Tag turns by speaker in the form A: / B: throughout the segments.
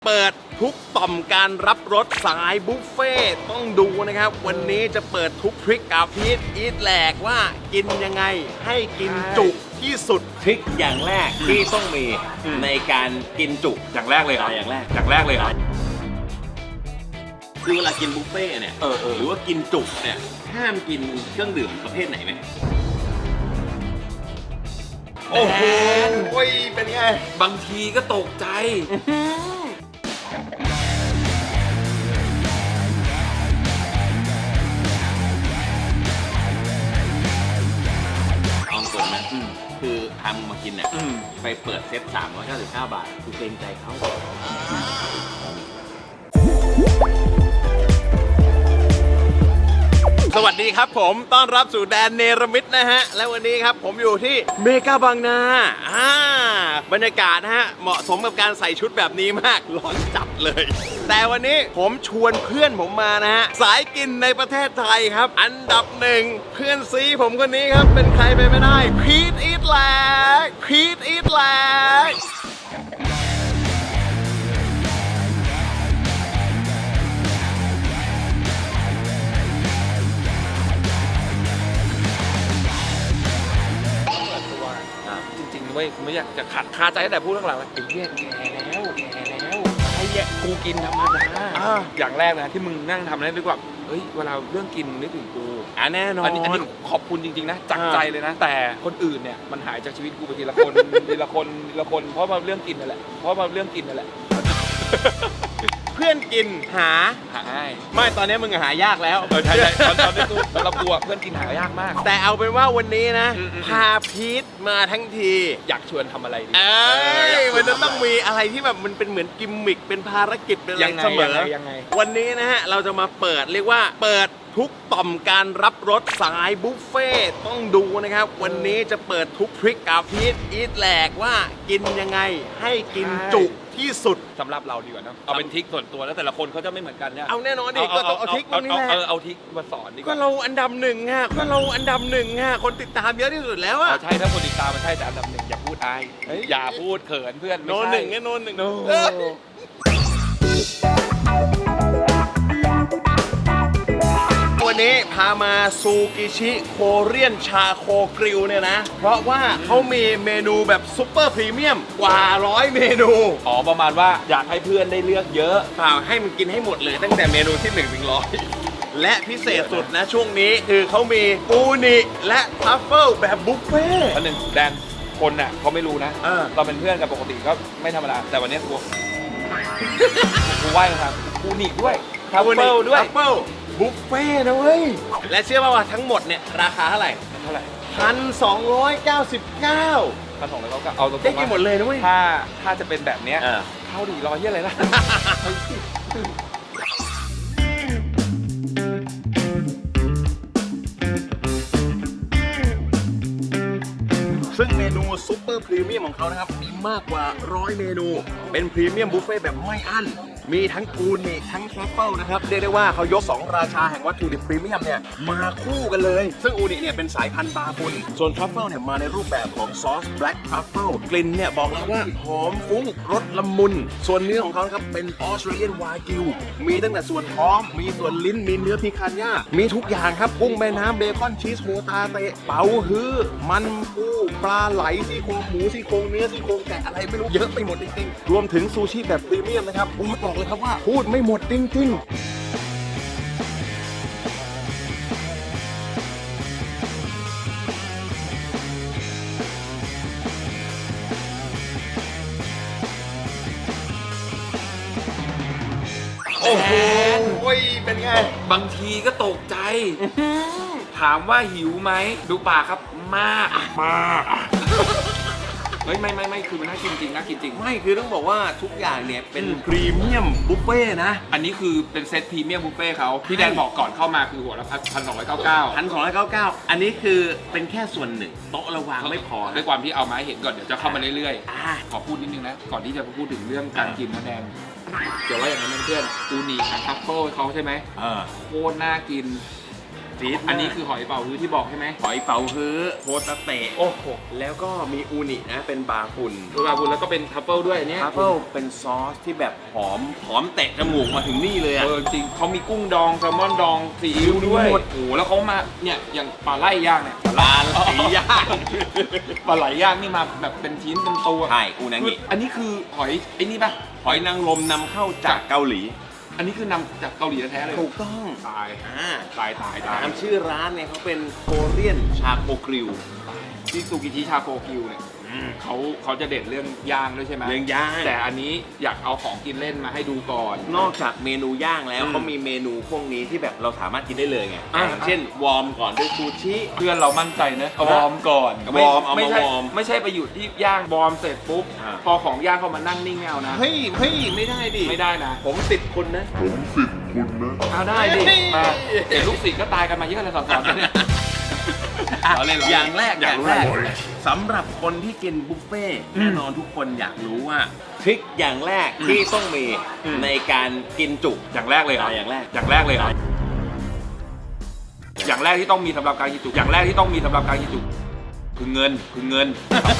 A: เปิดทุกต่อมการรับรสสายบุฟเฟ่ต้องดูนะครับวันนี้จะเปิดทุกทริคกับพีทอีทแหลกว่ากินยังไงให้กินจุที่สุด
B: ทริคอย่างแรกที่ต้องมีในการกินจุ
C: อย่างแรกเลยเหรออย่างแรกเลยเหรอ
B: คือเวลากินบุฟเฟ่เนี่ยหรือว่ากินจุเนี่ยห้ามกินเครื่องดื่มประเภทไหนไหม
A: โอ้โหเป็นไง
C: บางทีก็ตกใจ
B: เอาตรงนะคือพามึงมากินเนี่ยไปเปิดเซต399 บาทกูเกรงใจเขา
A: สวัสดีครับผมต้อนรับสู่แดนเนรมิตนะฮะและวันนี้ครับผมอยู่ที่เมกาบางนาบรรยากาศนะฮะเหมาะสมกับการใส่ชุดแบบนี้มากร้อนจัดเลยแต่วันนี้ผมชวนเพื่อนผมมานะฮะสายกินในประเทศไทยครับอันดับหนึ่งเพื่อนซีผมคนนี้ครับเป็นใครไปไม่ได้พีทอีทแหลก
C: จริงๆไม่อยากจะขัดคาใจแต่พูดเรื่องหลังไอ้เหี้ยแก่แล้วไอ้เหี้ยกูกินธรรมดาอย่างแรกนะที่มึงนั่งทำได้ด้วยว่าเฮ้ยเวลาเรื่องกินนึกถึงกู
A: แน่นอน
C: อันนี้ขอบคุณจริงๆนะจากใจเลยนะแต่คนอื่นเนี่ยมันหายจากชีวิตกูไปทีละคนเพราะมาเรื่องกินนั่นแหละ
A: เพื่อนกินหา
C: ง่าย
A: ไม่ตอนนี้มึงหายากแล้ว
C: ใช่ตอนนี้กูเรากลัวเพื่อนกินหายากมาก
A: แต่เอาเป็นว่าวันนี้นะพาพีทมาทั้งที
C: อยากชวนทำอะไรดี
A: มันจะต้องมีอะไรที่แบบมันเป็นเหมือนกิมมิคเป็นภารกิจเป็นอะไรเสมอวันนี้นะฮะเราจะมาเปิดเรียกว่าเปิดทุกต่อมการรับรสสายบุฟเฟ่ต้องดูนะครับวันนี้จะเปิดทุกทริคกับพีทอีทแหลกว่ากินยังไงให้กินจุที่สุด
C: สำหรับเราดีกว่านะเอาเป็นทริคส่วนตัวแล้วแต่ละคนเขาจะไม่เหมือนกันเนี่ย
A: เอาแน่นอนดิก็ต้องเอาทริคนี้แหละ
C: เอาทริคมาสอนดีกว่า
A: ก็เราอันดับหนึ่งฮะคนติดตามเยอะที่สุดแล้วอะ
C: ใช่ถ้าคนติดตามมันใช่แต่อันดับหนึ่งอย่าพูดอายอย่าพูดเขินเพื่อน
A: โนหนึ่งวันนี้พามาซูกิชิโคเรียนชาโคกริลเนี่ยนะเพราะว่าเขามีเมนูแบบซุปเปอร์พรีเมียมกว่า100 เมนู
C: ประมาณว่าอยากให้เพื่อนได้เลือกเยอะ
A: เปล่าให้มันกินให้หมดเลยตั้งแต่เมนูที่1 ถึง 100และพิเศษสุดนะช่วงนี้คือเขามีอูนิและทัฟเฟิลแบบบุฟเฟ่ต์
C: อันหนึ่งแดนคนน่ะเขาไม่รู้นะเราเป็นเพื่อนกันปกติก็ไม่ธรรมดาแต่วันนี้กูไหว้ครับอูนิด้วยทัฟเฟิลด้วย
A: บุฟเฟ่นะเว้ยและเชื่อป่าวว่าทั้งหมดเนี่ยราคาเท่าไหร่1,299
C: เอาตรงๆ
A: ได้กินหมดเลยนะเว้ย
C: ถ้าจะเป็นแบบเนี้ยเข้าดีรอเยี่ยอะไรนะ
A: ซึ่งเมนูซุปเปอร์พรีเมียมของเขานะครับมีมากกว่า100 เมนูเป็นพรีเมียมบุฟเฟ่แบบไม่อั้นมีทั้งอูนิทั้งทรัฟเฟิลนะครับเรียกได้ว่าเขายก2ราชาแห่งวัตถุดิบพรีเมียมเนี่ยมาคู่กันเลยซึ่งอูนิเนี่ยเป็นสายพันธุ์บาบุนส่วนทรัฟเฟิลเนี่ยมาในรูปแบบของซอสแบล็กทรัฟเฟิลกลิ่นเนี่ยบอกเลยว่าหอมฟุ้งรสละมุนส่วนเนื้อของเขาครับเป็นออสเตรเลียนวากิวมีตั้งแต่ส่วนท้องมีส่วนลิ้นมีเนื้อพิคันย่ามีทุกอย่างครับกุ้งแม่น้ำเบคอนชีสโฮตาเตะเป๋าฮื้อมันปูปลาไหลซี่โครงหมูซี่โครงเนื้อซี่โครงแกะอะไรไม่รู้เยอะไปหมดจริงๆรวมถึงซูชิแบบพรีเมียมนะครับบอกเลยครับว่าพูดไม่หมดจริงๆโอ้โหเป็นไง
C: บางทีก็ตกใจถามว่าหิวไหมดูปากครับมากไม่คือมันน่ากินจริง
A: ไม่คือต้องบอกว่าทุกอย่างเนี่ยเป็นพรีเมียมบุฟเฟ่นะ
C: อันนี้คือเป็นเซตพรีเมียมบุฟเฟ่เขาพี่แดนบอกก่อนเข้ามาคือหัวละ1,299
A: อันนี้คือเป็นแค่ส่วนหนึ่งโต๊ะระวางไม่พอ
C: ด้วยความที่เอามาให้เห็นก่อนเดี๋ยวจะเข้ามาเรื่อยๆขอพูดนิดนึงนะก่อนที่จะพูดถึงเรื่องการกินนะแดนเดี๋ยวว่าอย่างนั้นเพื่อนอูนิกับทัฟเฟิลเขาใช่ไหมโคตรน่ากินฟีดอันนี้คือหอยเป๋าฮื้อที่บอกใช่ไหม
A: หอยเป๋าฮื้อโฮตาเตะ
C: โอ้โห
A: แล้วก็มีอูนินะเป็นบาคุน
C: ตัวบาบุญแล้วก็เป็นทัฟเฟิลด้วยอันเนี้ย
A: ทรัฟเฟิลเป็นซอสที่แบบหอมเตะจมูกมาถึงนี่เลยอะ
C: จริงเขามีกุ้งดองแซลมอนดองซีอิ๊วด้วย
A: หมด
C: โอ้โหแล้วเขามาเนี่ยอย่างปลาไหลย่างเนี่ย
A: ปลาสีย่าง
C: ปลาไหลย่างนี่มาแบบเป็นชิ้นเป็นตัว
A: ใช่อูนางิ
C: อันนี้คือหอยไอ้นี่ป่ะ
A: หอยนางรมนำเข้าจากเกาหลี
C: อันนี้คือนำจากเกาหลีแท้ๆเลย
A: ถูกต้อง
C: ตาย ตาย
A: ตามชื่อร้านเนี่ยเขาเป็นโคเรียนชาโคกริล
C: ที่ซูกิชิชาโคกิวเนี่ยเขาจะเด็ดเรื่องย่างด้วยใช่ไหม
A: เรื่องย่าง
C: แต่อันนี้อยากเอาของกินเล่นมาให้ดูก่อน
A: นอกจากเมนูย่างแล้ว
C: อืม
A: เขามีเมนูพวกนี้ที่แบบเราสามารถกินได้เลยไง
C: อ่า
A: อย่างเช่นวอร์มก่อนด้วยซูชิ
C: เพื่อนเรามั่นใจนะเอาวอร์มก่อน
A: วอร์มเอามา
C: ไใช่
A: วอร์ม
C: ไม่ใช่ไปอยู่ที่ย่างวอร์มเสร็จปุ๊บ
A: อ่า
C: พอของย่างเข้ามานั่งนิ่งไม่เอานะ
A: เฮ้ยไม่ได้ดิ
C: ไม่ได้นะ
A: ผมติดคุณนะ
C: เอาได้ดิ
A: เฮ้ย
C: มาเดี๋ยวลูกศิษย์ก็ตายกันมาเยอะเลยสอนๆกันเนี่ย
A: เราเล่นอย่างแรก
C: อยากรู้อะไร
A: สำหรับคนที่กินบุฟเฟ่ต์
C: อืม
A: แน่นอนทุกคนอยากรู้ว่าทริคอย่างแรกที่ต้องมี
C: อืม
A: ในการกินจุ
C: อย่างแรกเลยเหรอ
A: อย่างแรก
C: อย่างแรกเลยเหรออย่างแรกที่ต้องมีสำหรับการกินจุอย่างแรกที่ต้องมีสำหรับการกินจุคือเงิน เงิน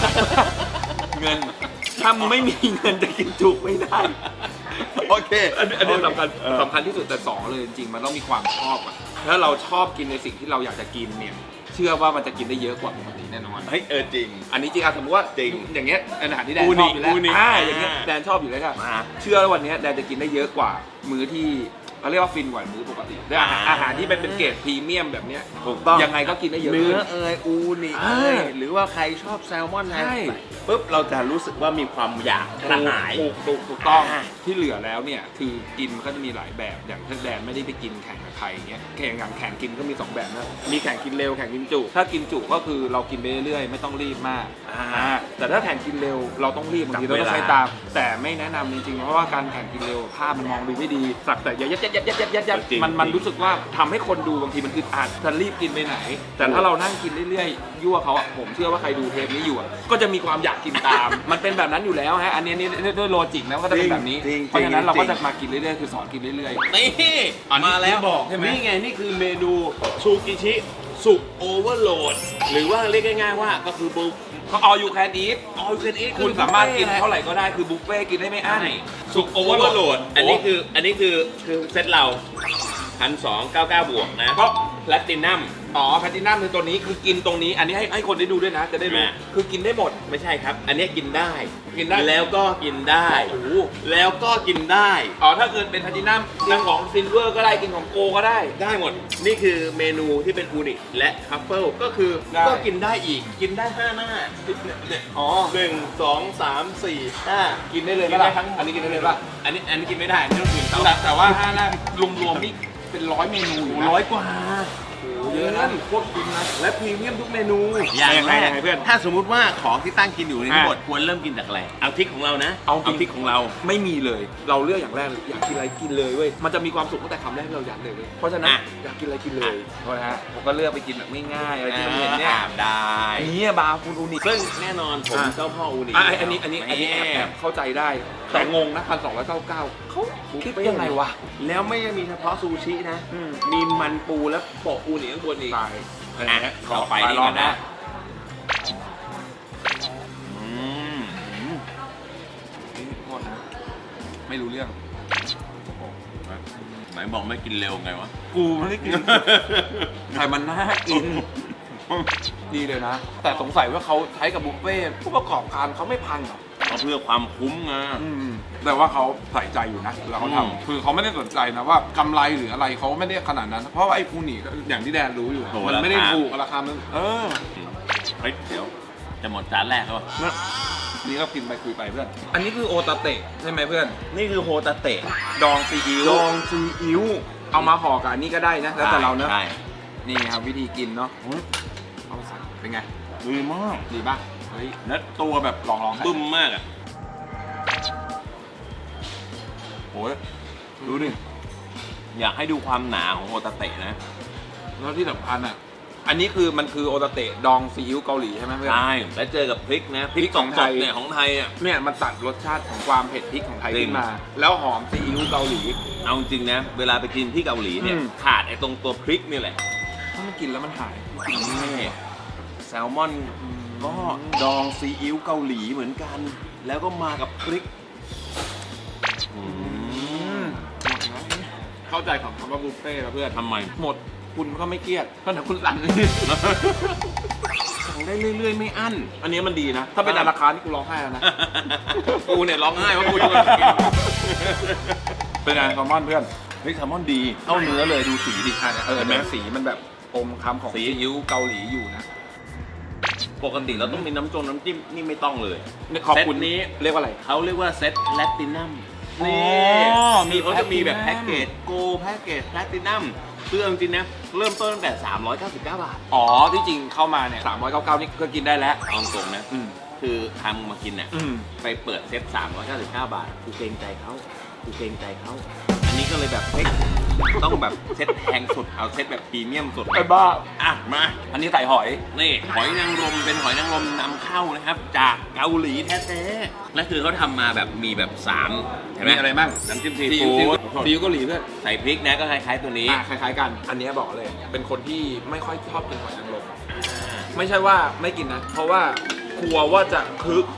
C: ถ้ามึงไม่มีเงินจะกินจุไม่ได้
A: โอเค
C: อันนี้สำคัญที่สุดแต่สองเลยจริงๆมันต้องมีความชอบอะถ้าเราชอบกินในสิ่งที่เราอยากจะกินเนี่ยเชื่อว่ามันจะกินได้เยอะกว่าปกติแน่นอน
A: เฮ้ยจริง
C: อันนี้จริงอะสมมติว่า
A: จริง
C: อย่างเงี้ยอาหารที่แดน
A: อู
C: ช
A: นิ
C: อบอยู่แล้ว
A: อูนิ
C: อย่างเงี้ยแดนชอบอยู่แล้วค่ะ
A: มา
C: เชื่อว่าวันเนี้ยแดนจะกินได้เยอะกว่ามื้อที่เขาเรียกว่าฟินกว่ามื้อปกติด้วยอาหารที่เป็นเกรดพรีเมียมแบบเนี้ย
A: ถูกต้อง
C: ยังไงก็กินได้เยอะ
A: เนื้อ
C: ขึ้น
A: อูนิ
C: อ่า
A: หรือว่าใครชอบแซลมอน
C: ใช่
A: ปุ๊บเราจะรู้สึกว่ามีความอยากกระหาย
C: ถูกต้อง
A: อ่า
C: ที่เหลือแล้วเนี่ยคือกินมันก็จะมีหลายแบบอย่างถ้าแดนไม่ได้ไปกินแข่งกับใครเงี้ยแข่งกินก็มี2แบบนะมีแข่งกินเร็วแข่งกินจุถ้ากินจุก็คือเรากินไปเรื่อยๆไม่ต้องรีบมากแต่ถ้าแข่งกินเร็วเราต้องรีบบางทีเราต้องใช้ตามแต่ไม่แนะนำจริงๆเพราะว่าการแข่งกินเร็วภาพมันมองดูไม่ดีสักแต่ยัดมันรู้สึกว่าทำให้คนดูบางทีมันอึดอัดจะรีบกินไปไหน แต่ถ้าเรานั่งกินเรื่อยๆยั่วเขาอะผมเชื่อว่าใครดูเทปนี้อยู่อะก็จะมีความอยากกินตาม มันเป็นแบบนั้นอยู่แล้วฮะอันนี้ด้วยโลจิกนะก็จะเป็นแบบนี้
A: จริงๆ
C: เพราะฉะนั้นเราก็
A: จริงๆ
C: จะมากินเรื่อยๆคือสอนกินเรื่อย
A: นี่
C: อันนี้
A: มาแล้ว
C: ที่บอกใช่ไหม
A: นี่ไงนี่คือเมนูซูกิชิสุกโอเวอร์โหลดหรือว่าเรียกง่ายๆว่าก็คือบุฟ
C: ๆเขาเอาอยู่แค่นี้
A: ออลเคนอี
C: คุณสามารถกินเท่าไหร่ก็ได้คือบุฟเฟ่ต์กินได้ไม่อั้น
A: สุกโอเวอร์โหลดอันนี้คือเซตเรา1,299 บวกนะ
C: เพราะ
A: แพลตินัม
C: อ๋อแพลตินัมคือตัวนี้คือกินตรงนี้อันนี้ให้คนได้ดูด้วยนะจะได้รู้
A: แม่
C: คือกินได้หมด
A: ไม่ใช่ครับ อันนี้กินได้
C: กินได้
A: แล้วก็กินได้
C: โอ้โห
A: แล้วก็กินได้
C: อ๋อถ้าเกิดเป็นแพลตินัมกินของซิลเวอร์ก็ได้กินของโกก็ได้
A: ได้หมด นี่คือเมนูที่เป็นอูนิและทัฟเฟิลก็คือ
C: ได้
A: ก็กินได้อีก กินได้ 5 หน้าเนี่ย
C: อ๋อ
A: 1 2 3 4 5
C: กินได้เลย
A: กินได้
C: ปะ
A: ทั้ง
C: อันนี้กินได้เลยป่ะ
A: อันนี้กินไม่ได้ไม่ต้องกินเขา
C: แต่ว่า5หน้ารวมๆนี่เป็น100 เมนูอยู่นะ
A: 100 กว่า
C: เยอะนะโคตรคุ้มนะ
A: และพรีเมียมทุกเมนู
C: ยังไงเพื่อน
A: ถ้าสมมุติว่าของที่ตั้งกินอยู่ในทั้งหมดควรเริ่มกินจากอะไรเอาทริกของเรานะ
C: เอาจริง
A: ทริกของเรา
C: ไม่มีเลย เราเลือกอย่างแรกเลยอยากกินอะไรกินเลยเว้ย มันจะมีความสุขตั้งแต่คำแรกที่เราอยากเลยเว้ย เพราะฉะนั้น
A: อ่ะ
C: อยากกินอะไรกินเลยเพราะนะฮะผมก็เลือกไปกินแบบง่ายๆอะไรที่มันเห็นเนี่ย
A: ได้
C: อันนี้บาร์คุณอูนิ
A: ซึ่งแน่นอนผม
C: อ่ะ
A: เจ้าพ่ออูนิ
C: อันนี้แอบเข้าใจได้ แต่งงนะ1,299เขาคิดยังไงวะ
A: แล้วไม่ได้มีเฉพาะซูชินะ มีมันปูและโปะอูนิข้างบนอีก
C: ตายอะไร
A: อ่ะ
C: เงี้ย
A: ต่อไปนี่
C: ลอ
A: ก่
C: ง
A: อนนะอืม
C: นี่โทษนะ ไม่รู้เรื่อง
A: ไหนบอกไม่กินเร็วไงวะ
C: กูไม่ได้กิน แต่มันน่ากิน ดีเลยนะ แต่สงสัยว่าเขาใช้กับบุฟเฟ่ต์ผู้ประกอบการเขาไม่พังเหรอ
A: ก็เพื่อความคุ้มไง
C: แต่ว่าเขาใส่ใจอยู่นะเวลาเขา
A: อืม
C: ทำคือเขาไม่ได้สนใจนะว่ากำไรหรืออะไรเขาไม่ได้ขนาดนั้น เพราะว่าไอ้คูนี่อย่างที่แดนรู้อยู่อะมันไม่ได้ถูกราคามัน
A: เฮ้ยเดี๋ยวจะหมดจานแรกแล้ววะ
C: นี่ก็กินไปคุยไปเพื่อน อันนี้คือโอตาเตะใช่ไหมเพื่อน
A: นี่คือโฮตาเตะ
C: ดองซีอิ๊ว
A: ดองซีอิ๊ว
C: เอามาห่อกับอันนี้ก็ได้นะแล้วแต่เราเนอะ
A: ใช่
C: นี่ครับวิธีกินเนาะเอาใส่เป็นไง
A: ดีมาก
C: ดีป่ะเฮ้ย
A: และตัวแบบ
C: ลอง
A: บึ้มมากอ่ะ
C: โอ้ยดูดิ
A: อยากให้ดูความหนาของโฮตาเตะนะ
C: แล้วที่สำคัญอ่ะอันนี้คือมันคือโอตาเตะดองซีอิ๊วเกาหลีใช่ไหมเพื่อน
A: ใช่แล้วเจอกับพริกนะพริก
C: ของไทย
A: สดๆเนี่ยของไทยอ่ะ
C: เนี่ยมันตัดรสชาติของความเผ็ดพริกของไทย
A: จริง
C: ขึ้นมา แล้วหอมซีอิ๊วเกาหลี
A: เอาจริงนะ เวลาไปกินที่เกาหลีเนี่ย
C: อืม
A: ขาดไอ้ตรงตัวพริกนี่แหละ
C: ถ้ามันกินแล้วมันหาย
A: นี่แซลมอนก็ดองซีอิ๊วเกาหลีเหมือนกัน แล้วก็มากับพริก
C: เข้าใจของคำว่าบุฟเฟ่ต์แล้วเพื่อน
A: ทำไม
C: หมดคุณก็ไม่เครียดเพราะแต่คุณสั่ง
A: สั่งได้เรื่อยๆไม่อั้น
C: อันนี้มันดีนะ ถ้าเป็นราคานี่กูร้องไห้แล้วนะ
A: กูเนี่ยร้องไห้ว่ากูจะมากิน
C: เป็นไงแซลมอนเพื่อน
A: เฮ้ยแซลมอนดีเข้าเนื้อเลยดูสีดิ
C: อ่ะเออ
A: เห็นไหม
C: แม้สีมันแบบอมคำของ
A: สี
C: ซีอิ๊วเกาหลีอยู่นะ
A: ปกติเราต้องมีน้ำจิ้มนี่ไม่ต้องเลย
C: ขอบคุณ
A: เซตนี้
C: เรียกว่าอะไร
A: เขาเรียกว่าเซตแพลตินัม
C: อ๋อ
A: นี่
C: มี
A: เขาจะมีแบบ
C: Platinum
A: แพ็กเกจโกแพ็กเกจแพลตินัมเรื่องจริงนะเริ่มต้นตั้งแต่399 บาท
C: อ๋อที่จริงเข้ามาเนี่ย399นี่ก็กินได้แล้ว
A: เอาตรงนะ
C: อืม
A: คือทำมากินเนี่ย
C: อืม
A: ไปเปิดเซต399 บาทกูเกรงใจเขาอันนี้ก็เลยแบบเฮ้ยต้องแบบเซตแพงสุดเอาเซตแบบพรีเมียมสุด
C: ไอ้บ้า
A: อ่ะมา
C: อันนี้ใส่หอย
A: นี่หอยนางรมเป็นหอยนางรมนำเข้านะครับ จากเกาหลีแท้ๆและคือเขาทำมาแบบมีแบบ3เห็นไหม
C: มีอะไรบ้าง
A: น้ำจิ้มซี
C: ซี
A: ฟู้
C: อิ๊ว
A: ด
C: ซีอิ๊วเกาหลีเพื่อน
A: ใส่พริกนะก็คล้ายๆตัวนี้
C: คล้ายๆกัน อันนี้บอกเลย เป็นคนที่ไม่ค่อยชอบกินหอยนางรมไม่ใช่ว่าไม่กินนะ เพราะว่ากลัวว่าจะคึก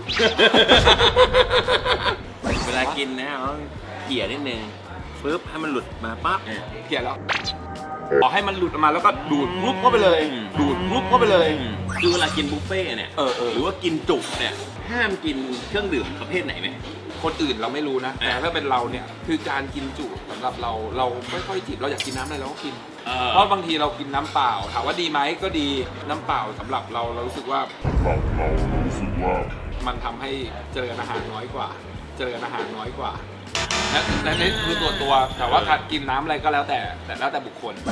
A: เวลากินนะเราต้องเกี่ยนิดนึงปึ๊บให้มันหลุดมาปั๊บ
C: เกลียดแล้วขอให้มันหลุดออกมาแล้วก็ดูดปุ๊บเข้าไปเลย ดูดปุ๊บเข้าไปเลย
A: คือเวลากินบุฟเฟ่ต์เนี่ย
C: เออ
A: หรือว่ากินจุเนี่ยห้ามกินเครื่องดื่มประเภทไหนไหม
C: คนอื่นเราไม่รู้นะ แต่ถ้าเป็นเราเนี่ยคือการกินจุสำหรับเราไม่ค่อยจิบเราอยากกินน้ำอะไรเราก็กิน เพราะบางทีเรากินน้ำเปล่าถามว่าดีไหมก็ดีน้ำเปล่าสำหรับเรารู้สึกว่ามันทำให้เจริญอาหารน้อยกว่าและนี่คือตัวแต่ว่าการกินน้ำอะไรก็แล้วแต่แล้วแต่บุคคล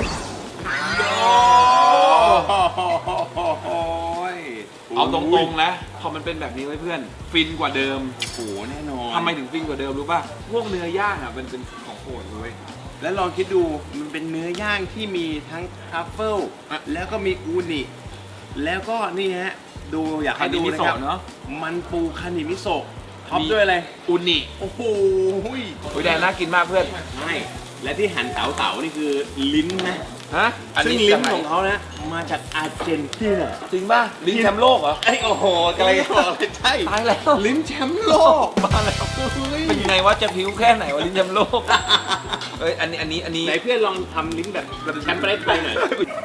C: เอาตรงๆนะพอมันเป็นแบบนี้ไว้เพื่อนฟินกว่าเดิม
A: โอ้โหแน่นอน
C: ทำไมถึงฟินกว่าเดิมรู้ป่ะพวกเนื้อย่างอ่ะมันเป็นของโปรดเลย
A: แล้วลองคิดดูมันเป็นเนื้อย่างที่มีทั้งทรัฟเฟิลแล้วก็มีอูนิแล้วก็นี่ฮะดูอยากให้ดูนะครับ
C: เนาะ
A: มันปูคานิมิโซะท็อปด้วยอะไร
C: อุนิ
A: โอ้โห
C: โอ้ยแดงน่ากินมากเพื่อน
A: ใช่และที่หั่นเต๋าๆนี่คือลิ้นนะ
C: ฮะ
A: ซึ่งลิ้นของเขานะมาจากอาร์เจนตินา
C: จริงป่ะลิ้นแชมป์โลกเหรอ
A: ไอ้โอ้โหกำลังจะบอกเลยใช่
C: ตายแล้ว
A: ลิ้นแชมป์โลก
C: มาแล้วเป็นยังไงว่าจะผิวแค่ไหนวะลิ้นแชมป์โลกเอ้ยอันนี้
A: ไหนเพื่อนลองทำลิ้นแบบแชมป์ประเทศไทยหน่อย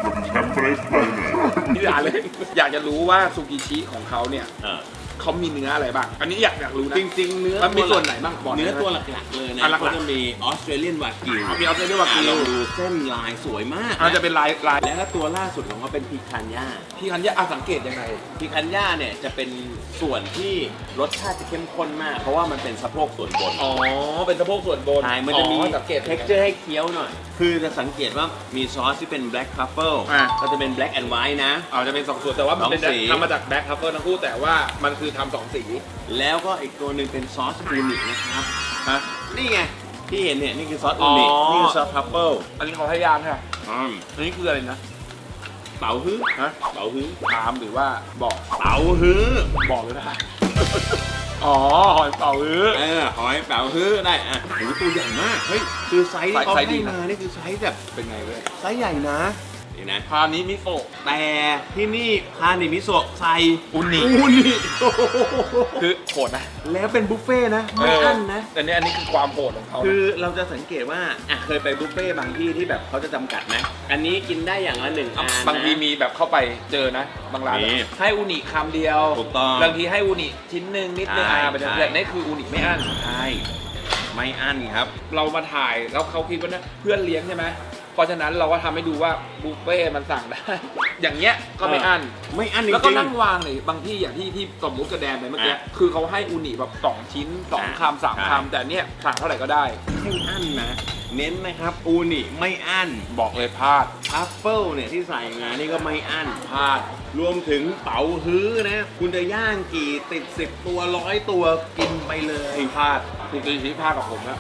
C: นี่ด่าเลยอยากจะรู้ว่าซูกิชิของเขาเนี่ยเขามีเนื้ออะไรบ้างอันนี้อยากรู้นะ
A: จริงๆเนื้อ
C: มันมีส่วนไหนบ้างบอก
A: เนื้อ
C: ได้ไหม
A: ตัวหลักๆเลยนะ
C: หลักๆ
A: ก็จะมีออสเตรเลียนวากิว
C: มีออสเตรเลียนวากิว
A: เราดูเส้นลายสวยมาก
C: อาจจะเป็นลาย
A: แล้วก็ตัวล่าสุดของเขาเป็นพิคันย่า
C: พี่คันยะสังเกตยังไง
A: พิคันย่าเนี่ยจะเป็นส่วนที่รสชาติจะเข้มข้นมาก เพราะว่ามันเป็นสะโพกส่วนบน
C: อ๋อเป็นสะโพกส่วนบน
A: ใช่มันจะมี
C: สังเกต
A: เท็กเจอร์ให้เคี้ยวหน่อย คือจะสังเกตว่ามีซอสที่เป็น black truffle ก็จะเป็น black and white นะ
C: อาจจะเป็น2ส่วนแต่ว่ามันเป็น
A: สองสี
C: ทำมาจากแบ็คทัฟเฟิลทั้งคู่แต่ว่ามันคือทำ2สี
A: แล้วก็อีกตัวหนึ่งเป็นซอสอูนินะครับ
C: ฮะ
A: นี่ไงที่เห็นเนี่ยนี่คือซอสอูนิ
C: อ๋อ
A: นี่คือซอสทรัฟเฟิล
C: อันนี้เขาให้ยางใช่ไหมอันนี้คืออะไรนะ
A: เป๋าฮื้อ
C: ฮะ
A: เป๋าฮื้อ
C: ถามหรือว่าบอก
A: เป๋าฮื้อ
C: บอกเลยนะอ๋อหอยเป๋าอื้อ
A: หอยเป๋าฮื้อได้อ่ะโหตัวใหญ่มากเฮ้ยคือไซส์ที่เขา
C: ไซส์ดี
A: ให้
C: นะ
A: มานี่คือไซส์แบบ
C: เป็นไงเว้ย
A: ไซส์ใหญ่นะนี่นะ
C: พานี้มิโซะ
A: แต่ที่นี่คานิมิโซะใส่
C: อุนิ คือโหดนะ
A: แล้วเป็นบุฟเฟ่ต์นะไม่อั้นนะ
C: แต่อันนี้คือความโหดของเขานะ
A: คือเราจะสังเกตว่าเคยไปบุฟเฟ่ต์บางที่ที่แบบเขาจะจำกัดนะอันนี้กินได้อย่างละ1 อันนะ
C: บางทีมีแบบเข้าไปเจอนะ บางร้าน
A: มี
C: ให้อูนิคำเดียว
A: ถูกต้อง
C: บางทีให้อูนิชิ้นหนึ่งนิดนึง
A: ใช่
C: ไป
A: ใช่
C: แต่นี่คืออูนิไม่อั้น
A: ใช่ไม่อั้นครับ
C: เรามาถ่ายแล้วเขาคิดว่านะเพื่อนเลี้ยงใช่ไหมเพราะฉะนั้นเราก็ทำให้ดูว่าบุฟเฟ่ต์มันสั่งได้ อย่างเงี้ยก็ไม่อั้น
A: ไม่อั้นจริงๆ
C: แล้วก็นั่งวางเลยบางที่อย่างที่สมมุติกระแดนไปเมื่อกี้
A: อ่ะ
C: คือเขาให้อูนิแบบ2 ชิ้น 2 คำ 3
A: ใช่
C: คำแต่เนี่ยสั่งเท่าไหร่ก็ได้
A: ไม่อั้นนะเน้นนะครับอูนิไม่อั้น
C: บอกเลยพลาด
A: ทัฟเฟิลเนี่ยที่ใส่มานี่ก็ไม่อั้น
C: พลาด
A: รวมถึงเป๋าฮื้อนะ คุณจะย่างกี่ติด10 ตัว100 ตัวกินไปเลย
C: พลาดคุณตีชี้พลาดกับผมแล้ว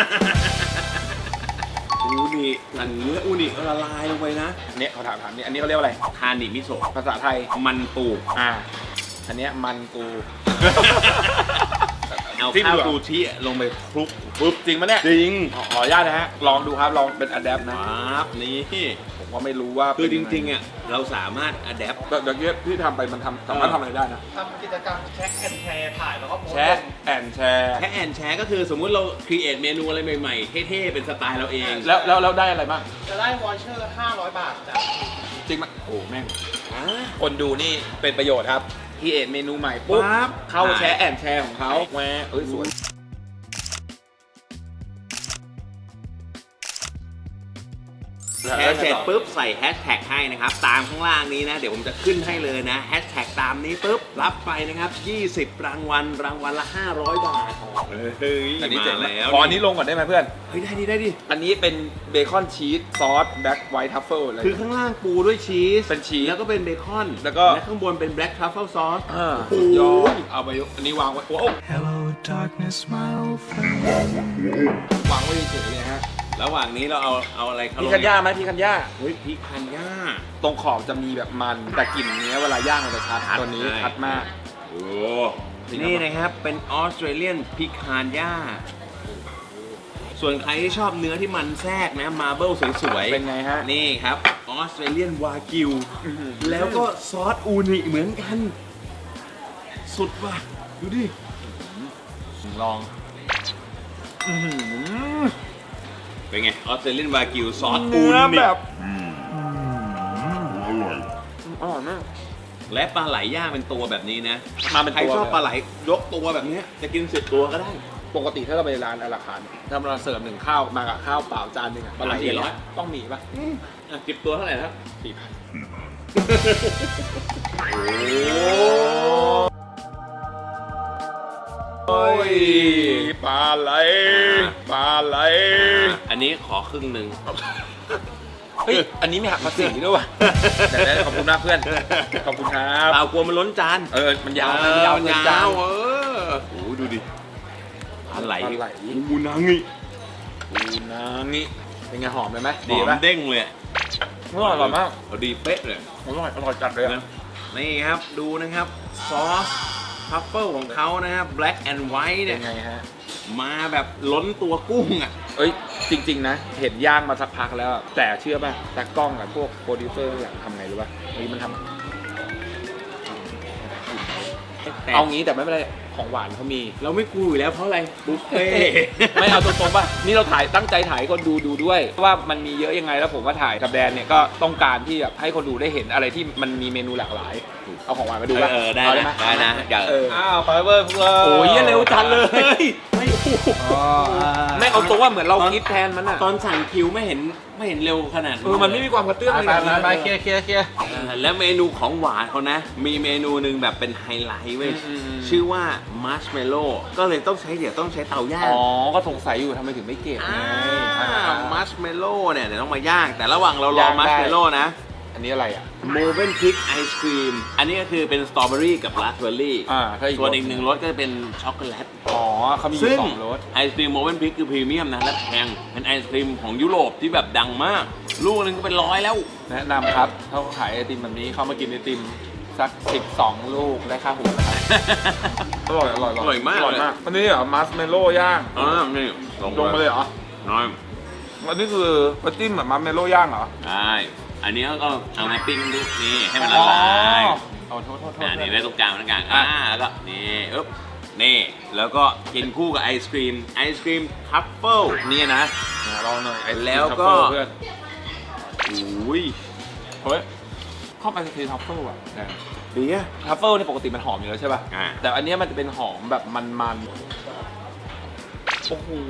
A: อูนิเนื้ออูนิละลายลงไปนะ
C: เนี่ยเขาถามนี่อันนี้เขาเรียกว่าอะไร
A: คานิมิโซะ
C: ภาษาไทย
A: มันปู
C: อันเนี้ยมันปู
B: เอา
C: ที่
B: ข้าว
C: เหลือ
B: ซูชิลงไปคลุก
C: ปุ๊บจริงปะเนี่ย
A: จริง
C: ขออนุญาตนะฮะลองดูครับลองเป็นอะแดปนะ
B: ครับนี่
C: ผมก็ไม่รู้ว่า
B: คือจริงๆอ่ะเราสามารถอัดแอป
C: ๆแบบเนี้ยที่ทำไปมันสามารถทำอะไรได้นะ
D: ทำกิจกรรมแชร์แอนแชร์ถ่ายแล้วก็โพสต์
C: แชร์แอนแชร์
B: แค่แอนแชร์ก็คือสมมุติเราครีเอทเมนูอะไรใหม่ๆเท่ๆเป็นสไตล์เราเอง
C: แล้วได้อะไรบ้าง
D: จะได้วอเชอร์ 500 บาทจาก
C: จริงไหมโอ้แม่งคนดูนี่เป็นประโยชน์ครับที่เอ็ดเมนูใหม่ปุ๊บ
B: ปั๊บ
C: เข้าแชร์แอนแชร์ของเขาแหวเอ้ยสวย
B: แชร์เสร็จปุ๊บใส่แฮชแท็กให้นะครับตามข้างล่างนี้นะเดี๋ยวผมจะขึ้นให้เลยนะแฮชแท็กตามนี้ปุ๊บรับไปนะครับ20 รางวัลละ500 บาทเฮ้ย
C: อันนี้เจ๋ง
B: มาแล้ว
C: ขออันนี้ลงก่อนได้ไหมเพื่อน
B: เฮ้ยได้ดิ
C: อันนี้เป็นเบคอนชีสซอสแบล็กไวท์ทัฟเฟิลอะไร
B: คือข้างล่างปูด้วยชีส
C: เป็นชีส
B: แล้วก็เป็นเบคอน
C: แล้วก็
B: ข้างบนเป็นแบล็กทรัฟเฟิลซอส
C: สุดยอดเอาไปอันนี้วางไว้โอ้
E: Hello, darkness, my old friend.
C: วางไว้เฉยๆเลยฮะ
B: ระหว่างนี้เราเอาอะไรเข้า
C: พี่คันย่าไหมพี่คันย่า
B: เฮ้ยพี่คันย่า
C: ตรงขอบจะมีแบบมันแต่กลิ่นเนี้ยเวลาย่างมันจะชัดตัวนี้ชัดมาก
B: โอ้นี่นะครับเป็นออสเตรเลียนพิคานย่าส่วนใครที่ชอบเนื้อที่มันแทรกนะมาร์เบิลสวยๆ
C: เป็นไงฮะ
B: นี่ครับออสเตรเลียนวากิวแล้วก็ซอสอูนิเหมือนกัน สุดว่ะดูดิ
C: ลอง
B: เป็นไงออสเตรเลียนวากิวซอสอู
C: เนื้อ
B: นิ
C: แบบอร่อยมาก
B: และปลาไหลย่างเป็นตัวแบบนี้นะ
C: มาเป็น
B: ใคร
C: ตัว
B: ชอบปลาไหลยกตัวแบบนี้จะกิน10 ตัวก็ได้
C: ปกติถ้าเราไปร้านอาราคาร์ทถ้าเราเสิร์ฟหนึ่งข้าวมากับข้าวเปล่าจานหนึงอะปลาไหลอย่างเงี้ยต้องมีป่ะ
B: 10 ตัวเท่าไหร่ครับ
C: โอ้ยปลาไหลปลาไหล
B: อันนี้ขอครึ่งหนึ่ง
C: เฮ้ยอันนี้ไม่หักภาษีด้วยว่ะเดี๋ยวขอบคุณมากเพื่อนขอบคุณครับ
B: เปล่ากลัวมันล้นจาน
C: มันยาวมันยาว
B: มัน
C: เกิน
B: ยา
C: จาน
B: วโอ้ดูดิปลาไหล
C: ปลาไหล
B: อูนางิ
C: อูนางิเป็นไงหอมเลยไหม
B: ห
C: ดี
B: อม
C: ป่ะ
B: เด้งเลย
C: อร่อยมาก
B: เอาดีเป๊ะเลย
C: อร่อยจัดเลย
B: นะนี่ครับดูนะครับซอสทัฟเฟิลของเขานะครับ black and white
C: เป็
B: เนี่ย
C: นไงฮะ
B: มาแบบล้นตัวกุ้งอ่ะ
C: เอ้ยจริงๆนะเห็นย่างมาสักพักแล้วอะแต่เชื่อป่ะตากล้องกับพวกโปรดิวเซอร์อยากทำไงรู้ป่ะเฮ้ยมันทำเอางี้แต่ไม่เป็นไรของหวานเขามี
B: เราไม่กลัวอยู่แล้วเพราะอะไรบุฟเฟ่
C: ไม่เอาตรงๆป่ะนี่เราถ่ายตั้งใจถ่ายให้คนดูด้วยว่ามันมีเยอะยังไงแล้วผมว่าถ่ายกับแบรนด์เนี่ยก็ต้องการที่แบบให้คนดูได้เห็นอะไรที่มันมีเมนูหลากหลายเอาของหวานมาดูป่ะ
B: ได้
C: เอา
B: นะ
C: หม
B: ได้นะอย่า
C: อ้าวไปเว้ยพวกเราโอ้ยเร็วจังเลยไม่เอาตรงว่าเหมือนเราคิดแทนมันอ่ะ
B: ตอนสั่งคิวไม่เห็นเร็วขนาด
C: มันไม่มีความกระเตื้องเลย
D: ไปเคลียร์
B: แล้วเมนูของหวานเขานะ มีเมนูหนึ่งแบบเป็นไฮไลท์เว้ยชื่อว่ามัชเมลโล่ก็เลยต้องใช้เตาย่าง
C: อ๋อก็สงสัยอยู่ทำไมถึงไม่เก็บไง
B: มัชเมลโล่เนี่ยเดี๋ยวต้องมาย่าง แต่ระหว่างเรารอย่าง
C: ได้
B: มัชเมลโล่นะ
C: อันนี้อะไรอ่ะ
B: โมเวนพิกไอศครีมอันนี้ก็คือเป็นสตรอเบอรี่กับราสเบอร์รี่
C: ถ้าอีก
B: ส่วนอีกหนึ่งรสก็จะเป็นช็อกโกแลต
C: อ๋อเขามีอ
B: ซึ่
C: ยู่
B: ง
C: สองรส
B: ไอศครีมโมเวนพิกคือพรีเมียมนะและแพงเป็นไอศครีมของยุโรปที่แบบดังมาก ลูกนึงก็เป็น100แล้ว
C: แนะนำครับถ้าเขาขายไอติมแบบนี้เข้ามากินไอติมสัก12 ลูกได้ค่าหัวนะครับอร่อย
B: อร่อยมาก
C: อันนี้เหรอมัสเมโล่ย่าง
B: นี่
C: ลงมาเลยเหรอ
B: น้อย
C: อันนี้คือปาจิ้มแบบมัสเมโล่ย่างเหรอ
B: ใช่อันนี้ก็เอามาปิ้งดูนี่ให้มันละลาย
C: อ๋อโทษ
B: นี่ไว้ตรงกลางแล้วก็นี่อึ๊บนี่แล้วก็กินคู่กับไอศครีมทัฟเฟิล
C: นี่นะลองหน่อยไอศกรีม
B: แล้วก็
C: ทัฟเฟิลเพื่อน
B: อุ้ย
C: เฮ้ยชอบไอศครีมทัฟเฟิลอ่ะ
B: ดีอะ
C: ทัฟเฟิลนี่ปกติมันหอมอยู่แล้วใช่ป่ะ แต่อันเนี้ยมันจะเป็นหอมแบบมันๆโอ้โห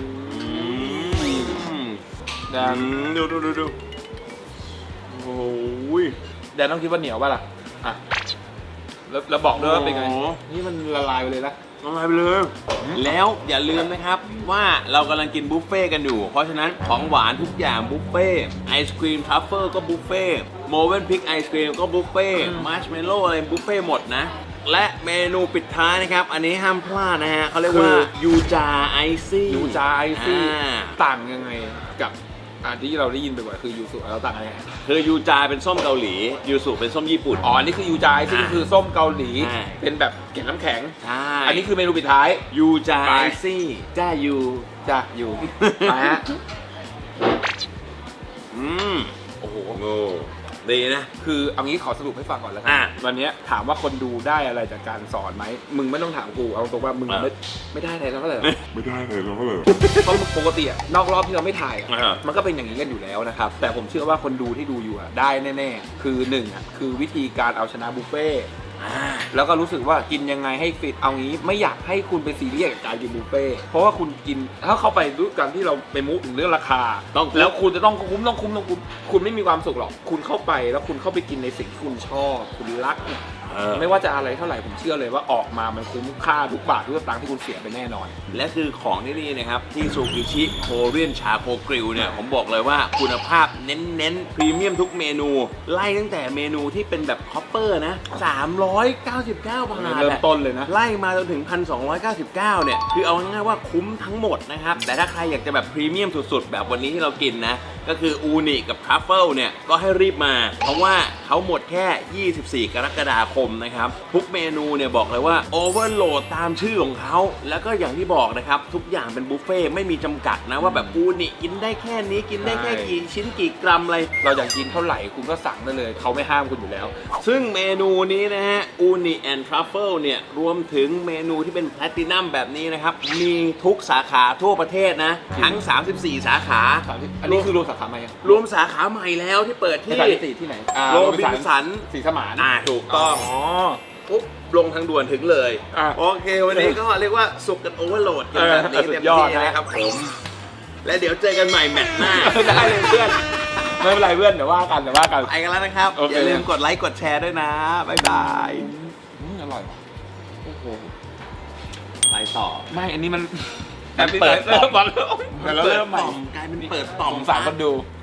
C: แดน
B: ดูโอ้ย
C: แดนต้องคิดว่าเหนียวป่ะล่ะอ่ะแล้วบอกด้วยว่าเป็นไง
B: โอ้โห
C: นี่มันละลายไปเลยนะ
B: ละลายไปเลย แล้วอย่าลืมนะครับว่าเรากำลังกินบุฟเฟ่กันอยู่ เพราะฉะนั้นของหวานทุกอย่างบุฟเฟ่ไอศครีมทัฟเฟิลก็บุฟเฟ่โมเวนพิกไอศครีมก็บุฟเฟ่มัชเมลโล่อะไรบุฟเฟ่หมดนะ และเมนูปิดท้ายนะครับ อันนี้ห้ามพลาดนะฮะเขาเรียกว่ายูจาไอซี่
C: ยูจาไอซี่ต่างยังไงกับที่เราได้ยินบ่อยๆคือยูสุเราต่างกันยังไง
B: คือยูจาเป็นส้มเกาหลียูสุเป็นส้มญี่ปุ่น
C: อ๋ออันนี่คือยูจายซึ่งคือส้มเกาหลี
B: ใช่
C: เป็นแบบเกล็ดน้ำแข็ง
B: ใช่
C: อันนี้คือเมนูปิดท้าย
B: ยูจา
C: ไป
B: ไอซี่จ้ายู
C: จ้ะอยู่มาฮะ
B: อืม
C: โอ้โห
B: โง่ดีนะ
C: คือเอางี้ขอสรุปให้ฟังก่อนแล้วกั
B: อ่ะ
C: วันนี้ถามว่าคนดูได้อะไรจากการสอนไหมมึงไม่ต้องถามกูเอาตรงว่ามึง
B: อ่ะ
C: ไม่ได้อะไรแล้วก็เลย
F: ไม่ได้เลยแล้วก็เลย
C: เพราะปกติอะนอกรอบที่เราไม่ถ่ายอะ
B: อ่ะ
C: มันก็เป็นอย่างนี้กันอยู่แล้วนะครับแต่ผมเชื่อว่าคนดูที่ดูอยู่อะได้แน่ๆคือหนึ่งอะคือวิธีการเอาชนะบุฟเฟ่ต์ แล้วก็รู้สึกว่ากินยังไงให้ฟิตเอางี้ไม่อยากให้คุณไปซีเรียสกับการกินบุฟเฟ่ต์เพราะว่าคุณกินถ้าเข้าไปด้วยกันที่เราไปมุกถึงเรื่องราคา
B: ต้องคุ้ม
C: แล้วคุณจะต้องคุ้มคุณไม่มีความสุขหรอกคุณเข้าไปแล้วคุณเข้าไปกินในสิ่งที่คุณชอบคุณรักเนี่ยไม่ว่าจะอะไรเท่าไหร่ผมเชื่อเลยว่าออกมามันคุ้มค่าทุกบาททุกสตางค์ที่คุณเสียไปแน่นอน
B: และคือของที่นี่นะครับที่ซูกิชิโคเรียนชาโคกริลเนี่ยผมบอกเลยว่าคุณภาพเน้นพรีเมียมทุกเมนู ไล่ตั้งแต่เมนูที่เป็นแบบคอปเปอร์นะ399 บาท
C: เริ่มต้นเลยนะ
B: ไล่มาจนถึง 1,299 เนี่ยคือเอาง่ายๆว่าคุ้มทั้งหมดนะครับแต่ถ้าใครอยากจะแบบพรีเมียมสุดๆแบบวันนี้ที่เรากินนะก็คืออูนิกับทรัฟเฟิลเนี่ยก็ให้รีบมาเพราะว่าเขาหมดแค่ 24 กรกฎาคมนะครับทุกเมนูเนี่ยบอกเลยว่าโอเวอร์โหลดตามชื่อของเขาแล้วก็อย่างที่บอกนะครับทุกอย่างเป็นบุฟเฟ่ต์ไม่มีจำกัดนะว่าแบบอูนิกินได้แค่นี้กินได้แค่กี่ชิ้นกี่กรัมอะไร
C: เราอยากกินเท่าไหร่คุณก็สั่งได้เลยเขาไม่ห้ามคุณอยู่แล้ว
B: ซึ่งเมนูนี้นะฮะอูนิแอนด์ทรัฟเฟิลเนี่ยรวมถึงเมนูที่เป็นแพลตินัมแบบนี้นะครับมีทุกสาขาทั่วประเทศนะทั้ง 34 สาขา
C: อันนี้คือรวมสาขาใหม่ยัง
B: รวมสาขาใหม่แล้วที่เปิดที่
C: สาขาที่ไหน
B: โรบินสัน
C: สีสมาน
B: ถูกต้องปุ๊บลงทางด่วนถึงเลย
C: อ่ะ
B: โอเค วันนี้ก็เรียกว่าสุกกันโอเวอร์โหลดกันแบบนี้
C: สุ
B: เต็
C: ด
B: ม
C: ยอด
B: ที่
C: นะ
B: นะครับผม และเดี๋ยวเจอกันใหม่แมตช์หน้า
C: ได้เลยเพื่อนไม่เป็นไรเพื่อนเดี๋ยวว่ากัน
B: ไปกันแล้วนะครับ
C: โอเค
B: อย่าลืมกดไลค์กดแชร์ด้วยนะ บ๊ายบาย
C: อร่อยว่ะโอ้โห
B: ไปต่อ
C: ไม่อันนี้มัน
B: มันเปิดต่อม
C: แต่เราเริ่มใหม่
B: กลายเป็นเปิดต่อม
C: สงสารคนดู